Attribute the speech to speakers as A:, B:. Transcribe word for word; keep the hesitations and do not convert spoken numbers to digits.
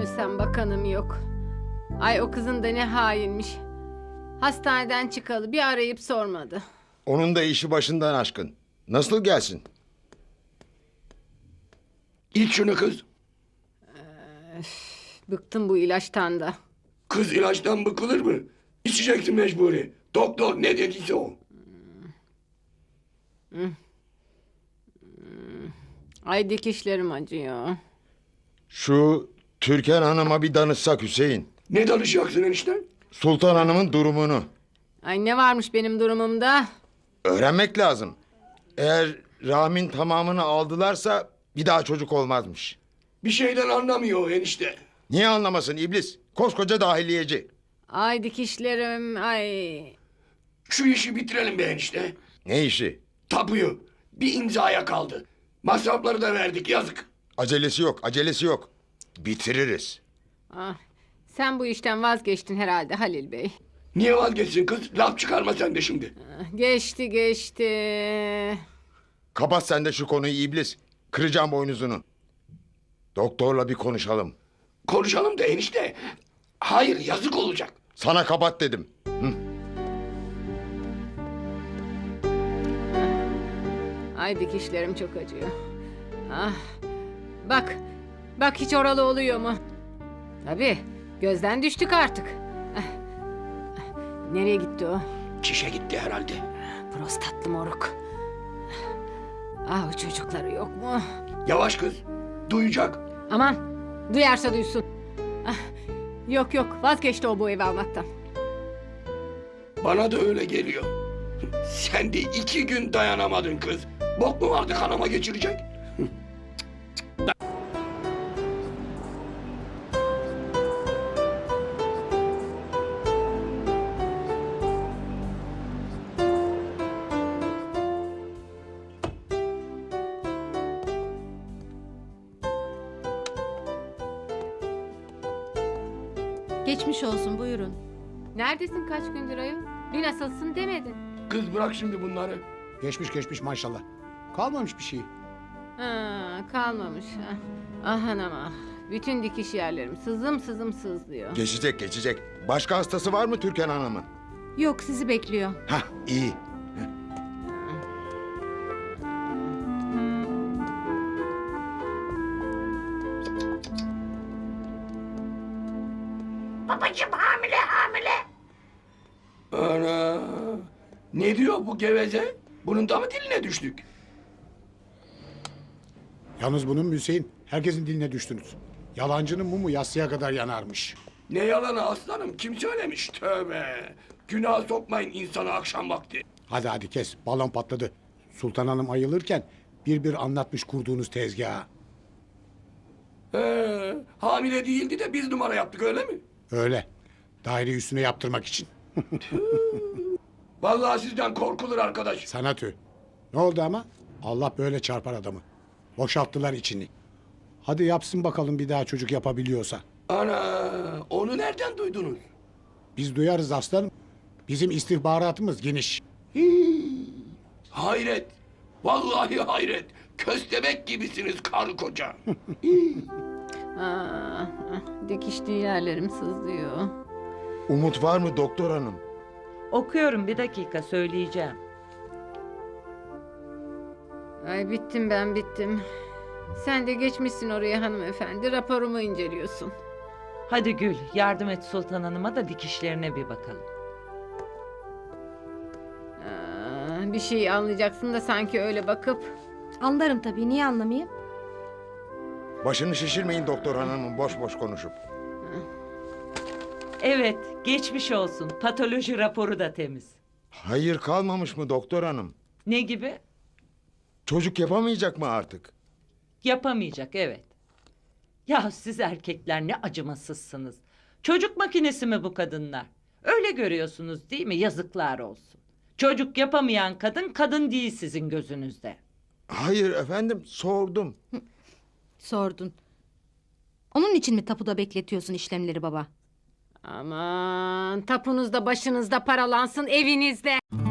A: ölsem bakanım yok. Ay o kızın da ne hainmiş. Hastaneden çıkalı bir arayıp sormadı.
B: Onun da işi başından aşkın. Nasıl gelsin?
C: İç şunu kız.
A: Bıktım bu ilaçtan da.
C: Kız ilaçtan bıkılır mı? İçeceksin mecburi. Doktor ne dediyse o.
A: Ay dikişlerim acıyor.
B: Şu Türkan Hanım'a bir danışsak Hüseyin.
C: Ne danışacaksın enişte?
B: Sultan Hanım'ın durumunu.
A: Ay ne varmış benim durumumda?
B: Öğrenmek lazım. Eğer rahmin tamamını aldılarsa bir daha çocuk olmazmış.
C: Bir şeyden anlamıyor o enişte.
B: Niye anlamasın iblis? Koskoca dahiliyeci.
A: Ay dikişlerim ay.
C: Şu işi bitirelim be enişte.
B: Ne işi?
C: Tapuyu. Bir imzaya kaldı. Masrafları da verdik yazık.
B: Acelesi yok, acelesi yok. Bitiririz.
A: Ah, sen bu işten vazgeçtin herhalde Halil Bey.
C: Niye vazgeçsin kız? Laf çıkarma sen de şimdi.
A: Ah, geçti geçti.
B: Kapat sen de şu konuyu iblis. Kıracağım boynuzunu. Doktorla bir konuşalım.
C: Konuşalım da enişte. Hayır yazık olacak.
B: Sana kapat dedim. Hı.
A: Ay dikişlerim çok acıyor. Ah, bak, bak hiç oralı oluyor mu? Tabii, gözden düştük artık. Ah, ah, nereye gitti o?
C: Çişe gitti herhalde.
A: Prostatlı moruk. Ah o çocukları yok mu?
C: Yavaş kız. Duyacak.
A: Aman, duyarsa duysun. Ah, yok yok, vazgeçti o bu evi almaktan.
C: Bana da öyle geliyor. Sen de iki gün dayanamadın kız. Bok mu vardı kanama geçirecek?
D: Geçmiş olsun, buyurun.
A: Neredesin kaç gündür ayol? Dün asılsın demedin.
C: Kız bırak şimdi bunları.
E: Geçmiş geçmiş maşallah. Kalmamış bir şey.
A: Ha, kalmamış. Ah, ah anam ah. Bütün dikiş yerlerim sızım sızım sızlıyor.
B: Geçecek, geçecek. Başka hastası var mı Türkan Hanım'ın?
D: Yok, sizi bekliyor.
B: Hah, iyi.
C: Ana. Ne diyor bu geveze? Bunun da mı diline düştük?
E: Yalnız bunun Hüseyin, herkesin diline düştünüz. Yalancının mumu yatsıya kadar yanarmış.
C: Ne yalanı aslanım? Kim söylemiş? Tövbe. Günah sokmayın insanı akşam vakti.
E: Hadi hadi kes, balon patladı. Sultan Hanım ayılırken bir bir anlatmış kurduğunuz tezgahı.
C: He, hamile değildi de biz numara yaptık öyle mi?
E: Öyle. Daire üstüne yaptırmak için.
C: Vallahi sizden korkulur arkadaş.
E: Sana tüh. Ne oldu ama? Allah böyle çarpar adamı. Boşalttılar içini. Hadi yapsın bakalım bir daha çocuk yapabiliyorsa.
C: Ana, onu nereden duydunuz?
E: Biz duyarız aslanım. Bizim istihbaratımız geniş.
C: Hayret. Vallahi hayret. Köstebek gibisiniz karı koca.
A: Ah, ah, dikişli yerlerim sızlıyor.
B: Umut var mı doktor hanım?
F: Okuyorum, bir dakika söyleyeceğim.
A: Ay bittim ben bittim. Sen de geçmişsin oraya hanımefendi. Raporumu inceliyorsun.
F: Hadi Gül, yardım et Sultan Hanım'a da dikişlerine bir bakalım.
A: Aa, bir şey anlayacaksın da sanki öyle bakıp.
D: Anlarım tabii, niye anlamayayım?
B: Başını şişirmeyin doktor hanımın boş boş konuşup.
F: Evet, geçmiş olsun. Patoloji raporu da temiz.
B: Hayır kalmamış mı doktor hanım?
F: Ne gibi?
B: Çocuk yapamayacak mı artık?
F: Yapamayacak, evet. Ya siz erkekler ne acımasızsınız. Çocuk makinesi mi bu kadınlar? Öyle görüyorsunuz değil mi? Yazıklar olsun. Çocuk yapamayan kadın, kadın değil sizin gözünüzde.
B: Hayır efendim sordum.
D: Sordun. Onun için mi tapuda bekletiyorsun işlemleri baba?
A: Aman tapunuzda başınızda paralansın evinizde.